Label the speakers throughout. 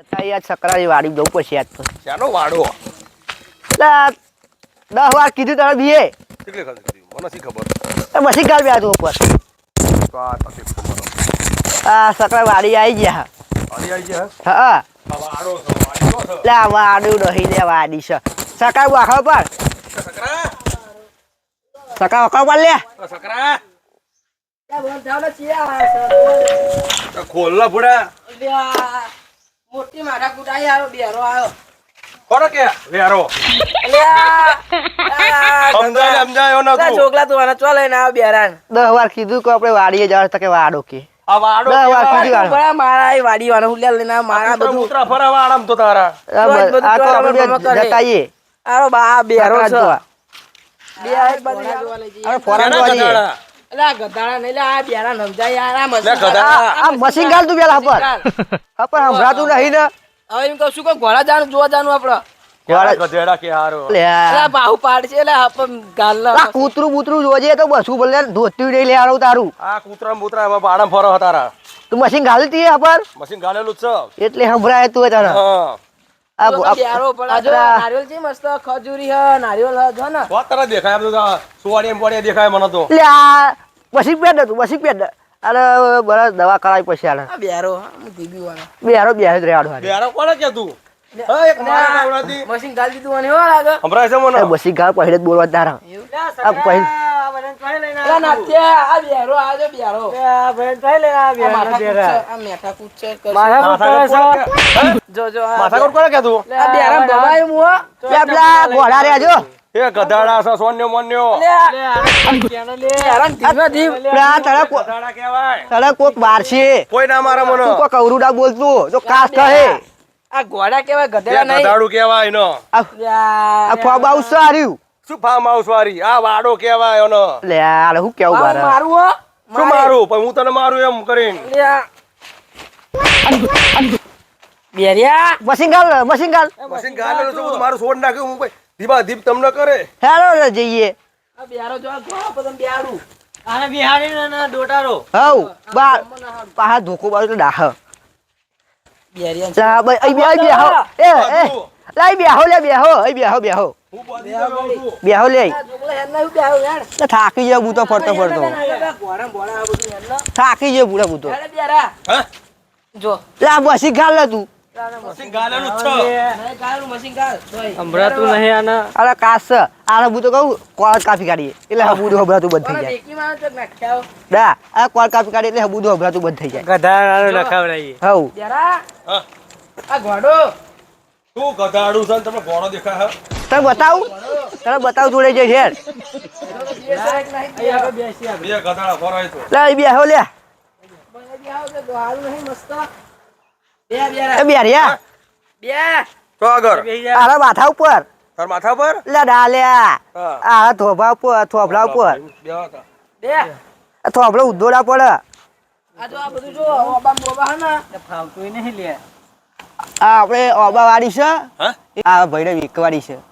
Speaker 1: યાર છકરાની વાડી જવું પડશે યાદ તો.
Speaker 2: શાનો વાડો?
Speaker 1: એટલે 10 વાર કીધું તારે બીએ.
Speaker 2: કેટલી ખાધી મને શી ખબર.
Speaker 1: મશીન ગાળ બે આતો ઉપર.
Speaker 2: તો આ તકલીફ તો મને.
Speaker 1: આ છકરા વાડી આવી ગયા.
Speaker 2: વાડી આવી ગયા?
Speaker 1: હા.
Speaker 2: આ વાડો છે, વાડી નો છે.
Speaker 1: લે વાડું નહીં લે વાડી છે. છકરા વાખો પર.
Speaker 2: સકરા?
Speaker 1: છકરા વાખો પર લે.
Speaker 2: સકરા?
Speaker 3: બોલ જાવ ને ચિયા
Speaker 2: ખોલ ના ફુડા.
Speaker 3: મોટી મારા કુટાઈ આવ્યો બેરો આવ્યો
Speaker 2: કોણ કે વેરો? સમજાયો ના તું.
Speaker 3: છોકલા તું આને ચો લઈને આવ્યો બેરાન
Speaker 1: 10 વાર કીધું કે આપણે વાડીએ જવા તો કે વાડો કે.
Speaker 2: આ વાડો
Speaker 1: 10 વાર કીધું.
Speaker 3: બરા મારા એ વાડી વાળો હુલ્યા લઈને આવ્યો, મારા બધું
Speaker 2: ઉતરા ફરાવા આરામ તો તારા.
Speaker 1: આ તો આપણે જતાઈએ.
Speaker 3: આરો બા બેરો છે
Speaker 1: જોવા.
Speaker 3: બે આ એક બાજુ જોવા લઈ જઈએ.
Speaker 1: અરે ફોરન જોવા જઈએ.
Speaker 3: એટલે આ ગધાડા નહીં લે આ બેરા સમજાય યાર આ
Speaker 2: લે ગધા.
Speaker 1: આ મશીન ગાળ તું પેલા હપર હંભરાતું નહીં ને.
Speaker 3: હવે એમ કહું છું કે ઘોડા જાનું જોવા જાનું આપડે
Speaker 2: ગધેડા કે હારો.
Speaker 1: લે
Speaker 3: એટલે બાહુ પાડ છે એટલે આપ ગાલ
Speaker 1: આ કૂતરું બૂતરું જોજે તો બસું બોલે ધોતી નહીં લે આવું તારું.
Speaker 2: આ કૂતરા બૂતરા એમાં આરામ ફરો તારા.
Speaker 1: તું મશીન ગાલતી હપર
Speaker 2: મશીન ગાલેલું જ છે.
Speaker 1: એટલે હંભરાય તું તારા.
Speaker 2: હા.
Speaker 3: બેરો પણ આ જો નારિયેલ છે મસ્ત ખજૂરી હ નારિયેલ હ જો ને
Speaker 2: વાત તારા દેખાય એમ તો સુવાડી એમ પડી દેખાય મને તો.
Speaker 1: લે આ મશીન પેડ તું મશીન પેડ. અરે બરાબર દવા કરાવી પછી આને.
Speaker 3: આ બેરો હું દીબી વાળો
Speaker 1: બેહારો બેહાર રેવાડો હારે.
Speaker 2: બેરો કોને કે તું? હા એક મારા નાવડાથી
Speaker 3: મશીન ગાલ દીધું અને હો લાગે
Speaker 2: સંભળાય છે મને.
Speaker 1: મશીન ગાળ પહેલે જ બોલવા તારા. આ પહેલ
Speaker 3: આ નાથ્યા આ બેરો આ જો બેરો આ મેઠા કૂચ છે જો જો
Speaker 2: માથાકોટ કોને કે તું?
Speaker 3: આ બેરા બબાય મુ હો
Speaker 1: લે પેલા ઘોડા રેજો.
Speaker 2: એ ગધાડા છે સોન્યો મોન્યો.
Speaker 3: હેરાન ધીમે ધીમ
Speaker 1: પેલા તારા
Speaker 2: ગધાડા કહેવાય.
Speaker 1: તારા કોક બાર છે.
Speaker 2: કોઈ ના મારે મને.
Speaker 1: તું કોક અવરુડા બોલતું તો કાસ કહે.
Speaker 3: આ ઘોડા કેવાય
Speaker 2: એ
Speaker 3: ગધેડા નહીં
Speaker 2: ગધાડું કહેવાય એનો.
Speaker 1: આ ફોબ હાઉસ છે હાર્યું.
Speaker 2: શું ફાર્મ હાઉસ વાળી? આ વાડો કહેવાય એનો.
Speaker 1: લે આ હું કેવું બાર.
Speaker 3: મારું હો
Speaker 2: શું મારું? પણ હું તને મારું એમ કરીને.
Speaker 3: બેરિયા
Speaker 1: મશીન ગાળ મશીન ગાળ.
Speaker 2: મશીન ગાલેલું છે, હું તો મારું છોડ નાખ્યું. હું ભાઈ ધીબા ધીબ તમને કરે.
Speaker 1: હેલો જઈએ.
Speaker 3: આ બેરો જો આ ઘોડા પદમ બેરું
Speaker 4: આને બિહારી ના ડોટારો
Speaker 1: હવ બાર પાહા ધોકો બાર તો દાહ.
Speaker 3: બેરિયા
Speaker 1: જા ભાઈ અહીં બે બેહો. એ લાઈ બેહો લે બેહો. અહીં બેહો બેહો.
Speaker 2: હું બોધી જાઉં છું.
Speaker 1: બેહો લે.
Speaker 3: આ જોગલા હેર ના બેહો યાર
Speaker 1: લે થાકી જાય હું તો ફરતો ફરતો.
Speaker 3: ઘોડા ભોડા આ બધું હેર ના
Speaker 1: થાકી જાય પૂરા હું તો.
Speaker 3: અરે બેરા
Speaker 2: હા?
Speaker 3: જો
Speaker 1: લે આ મશીન ગાળ લે તું.
Speaker 2: મશીન ગાલેલું જ છે.
Speaker 3: નહીં ગાળું મશીન ગાળ જોઈ
Speaker 4: સંભળાતું નહીં આના
Speaker 1: અરે કાસ છે. આને હું તો કહું કોળ કાપી કાઢીએ એટલે હબુદું હભરાતું બંધ થઈ જાય.
Speaker 3: બેકી માં તો નાખ્યા
Speaker 1: દા આ કોળ કાપી કાઢીએ એટલે હબુદું હભરાતું બંધ થઈ જાય.
Speaker 4: ગધાડાનો લખાવડાઈએ
Speaker 1: હવ
Speaker 3: બેરા
Speaker 2: હા.
Speaker 3: આ ઘોડો
Speaker 2: શું ગધાડું છે ને તમને ઘોડો દેખાય છે?
Speaker 1: તને બતાવું તને બતાવું જોડે જઈ હેર.
Speaker 4: અહીંયા બેસી આપણે
Speaker 2: બે ગધાડા ફરાય તો.
Speaker 1: લે અહીં બેહો લે. એ બેરિયા
Speaker 2: તો આગળ
Speaker 1: આરા માથા ઉપર
Speaker 2: તાર માથા પર.
Speaker 1: લે ડાલ્યા
Speaker 2: હા.
Speaker 1: આ થોભા ઉપર થોભલા ઉપર
Speaker 2: બેહો તા.
Speaker 1: આ થોભલો ઉદ્દોડા પડે.
Speaker 4: ફાવતું નહીં લે
Speaker 1: આ આપણે ઓબા વાળી છે.
Speaker 2: હા?
Speaker 1: આ ભૈરવ વેકવાડી છે.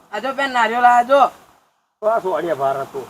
Speaker 2: તો આ સુવાડિયા ભાર હતું.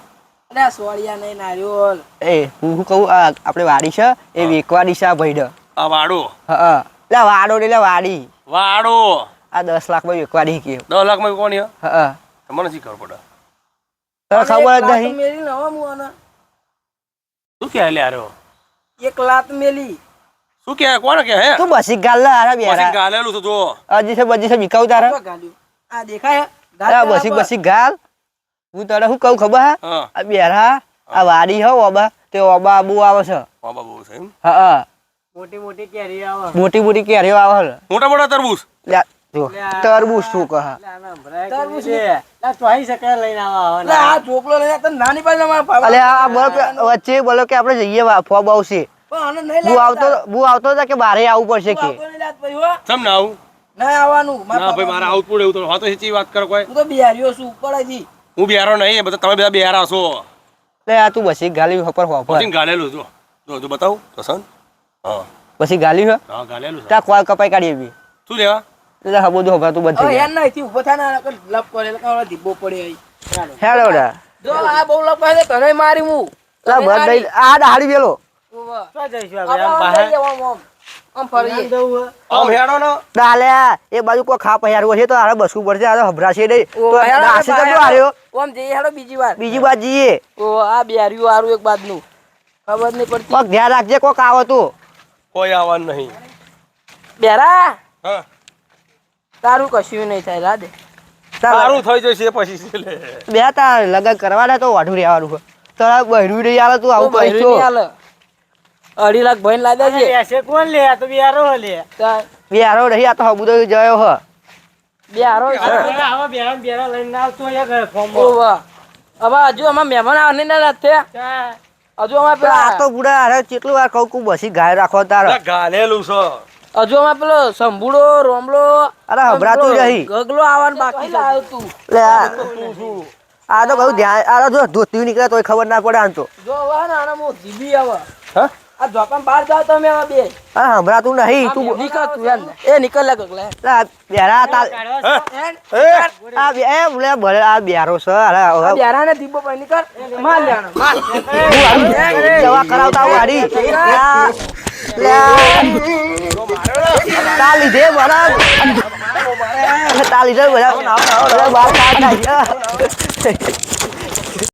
Speaker 1: એ હું કહું આ આપણે વાડી છે એ વેકવાડી છે આ ભૈરવ.
Speaker 2: આ વાડો.
Speaker 1: હા લે વાડો ને લે વાડી
Speaker 2: વાડો
Speaker 1: આ 10 લાખમાં વેકવાડી કે.
Speaker 2: 10 લાખમાં કોની હે?
Speaker 1: હા
Speaker 2: મને શી ખબર પડે?
Speaker 1: તને ખબર જ નહીં.
Speaker 2: શું કહે લે આરો?
Speaker 3: એક લાત મેલી
Speaker 2: શું કહે? કોણ કહે હે?
Speaker 1: તું બસી ગાલ લે આરા
Speaker 2: મશીન
Speaker 1: બેરા
Speaker 2: ગાલેલું છે જો.
Speaker 1: અજી છે બજી છે બીકાવ તારા.
Speaker 3: આ દેખાય
Speaker 1: આ બસી બસી ગાલ. હું તને શું કહું ખબર હે
Speaker 2: હા.
Speaker 1: આ બેરા આ વાડી હો ઓબા તે ઓબા આબુ આવે છે.
Speaker 2: બાબા બહુ છે એમ.
Speaker 1: હા
Speaker 4: મોટી મોટી કેરી આવે
Speaker 1: મોટી મોટી કેરીઓ આવે છે.
Speaker 2: મોટા મોટા તરબૂચ.
Speaker 1: લે જો તરબૂચ શું કહે.
Speaker 4: આના ભરાય છે આ ચોઈ શકે લઈને આવા
Speaker 3: એટલે આ ચોપલો લઈને તને નાની પાડી મારા
Speaker 1: અલે આ બોલો કે વચ્ચે બોલો કે આપણે જઈએ ફોબ આવશે.
Speaker 3: પણ આને નહીં
Speaker 1: હું આવતો હતા કે બારે આવવું પડશે કે.
Speaker 2: સમ ના આવું?
Speaker 3: ના આવવાનું
Speaker 2: ના ભાઈ મારે આવું જ પડે એવું તો વાતો હેચી વાત કરો કોઈ.
Speaker 3: હું તો બિહારીઓ છું ઉપરથી
Speaker 2: હું બિહારો નહીં, બધા તમે બધા બિહારા છો.
Speaker 1: લે આ તું બસી ગાલી ઉપર હોફર
Speaker 2: મશીન ગાલેલું જો. જો જો બતાવું તો સન. હા
Speaker 1: પછી ગાલી હે
Speaker 2: હા ગાલેલું છે.
Speaker 1: ત્યાં કોલ કપાઈ કાઢી એવી
Speaker 2: શું લેવા?
Speaker 1: એટલે હા બધું હભરાતું બંધ થઈ
Speaker 3: યાર નહીં ઉભો થાય ને લપ કરે એટલે ધીબો પડે અહીં
Speaker 1: જાય. હેલો ડા
Speaker 3: જો આ બહુ લપ કરે તને મારી હું
Speaker 1: લા બંધ આ દાડી વેલો
Speaker 4: તો જઈશું આપણે આમ બહાર
Speaker 3: આમ ફરીએ
Speaker 2: આમ હેડો ને
Speaker 1: ડાલે એ બાજુ કોઈ ખા પહેર્યું હશે તો આરે બસવું પડશે આ હભરાશે નહીં
Speaker 3: ઓ,
Speaker 1: તો
Speaker 3: હેડો,
Speaker 1: નાસી તો
Speaker 3: હેડો.
Speaker 1: જો હાર્યો
Speaker 3: આમ જઈએ હેડો બીજી વાર
Speaker 1: બીજી બાજુ જઈએ
Speaker 3: ઓ આ બેર્યું હારું એક બાજનું ખબર નહીં પડતી
Speaker 1: કોક ધ્યાન રાખજે કોક આવો તું
Speaker 2: કોઈ આવવાનું નહીં
Speaker 3: બેરા
Speaker 2: હા
Speaker 3: તારું કશું નહીં થાય રાધે
Speaker 2: સારું થઈ જશે પછી છેલ્લે.
Speaker 1: બે તાર લગન કરવાના તો વાઢું રહેવાનું છે તારા બહેરું નહીં આવે તું આવું કહીશ તો
Speaker 3: 2.5 લાખ ભઈને લાદા છે
Speaker 4: એસે કોણ લે આ તો બિયારો લે
Speaker 1: બે હારો નહીં આ તો હબુ તો જયો હ
Speaker 3: બે હારો છે.
Speaker 4: આવા બેરા લઈને આવતો યાર ફોર્મ
Speaker 3: ઓ વાહ હવે હજુ અમાર મહેમાન આવને ના રાતે હજુ અમાર
Speaker 1: આ તો
Speaker 3: પેલા
Speaker 1: બુડા હારે કેટલું વાર કહું કું બસી ગાય રાખો તાર
Speaker 2: આ ગાલેલું છે
Speaker 3: હજુ અમાર પેલો સંભુડો રોમલો
Speaker 1: અરે હભરાતું નહીં
Speaker 3: ગગલો આવવાનું બાકી લાવ્યો તું
Speaker 1: લે આ તો કહું ધ્યાન આ તો જો ધોતી નીકળે તોય ખબર ના પડે આમ તો
Speaker 3: જો હવે ને આના મો જીબી આવે
Speaker 1: હા
Speaker 3: આ જોપાન બહાર જાવ તમે હવે બે
Speaker 1: અરે હભરાતું નહીં તું
Speaker 3: નીકળ તું યાર એ નીકળ લે ગગલા
Speaker 1: લા, બેરા તાર આ બે એ બોલે ભલે આ બેરો છે અરે હવે
Speaker 3: બેરા ને દીપો પર નીકળ માર લેવાનો માર
Speaker 1: હું હારી દવા કરાવતા હું હારી તા લીધે મારા તા લીધે બધા બાર કાઢ નાખ્યા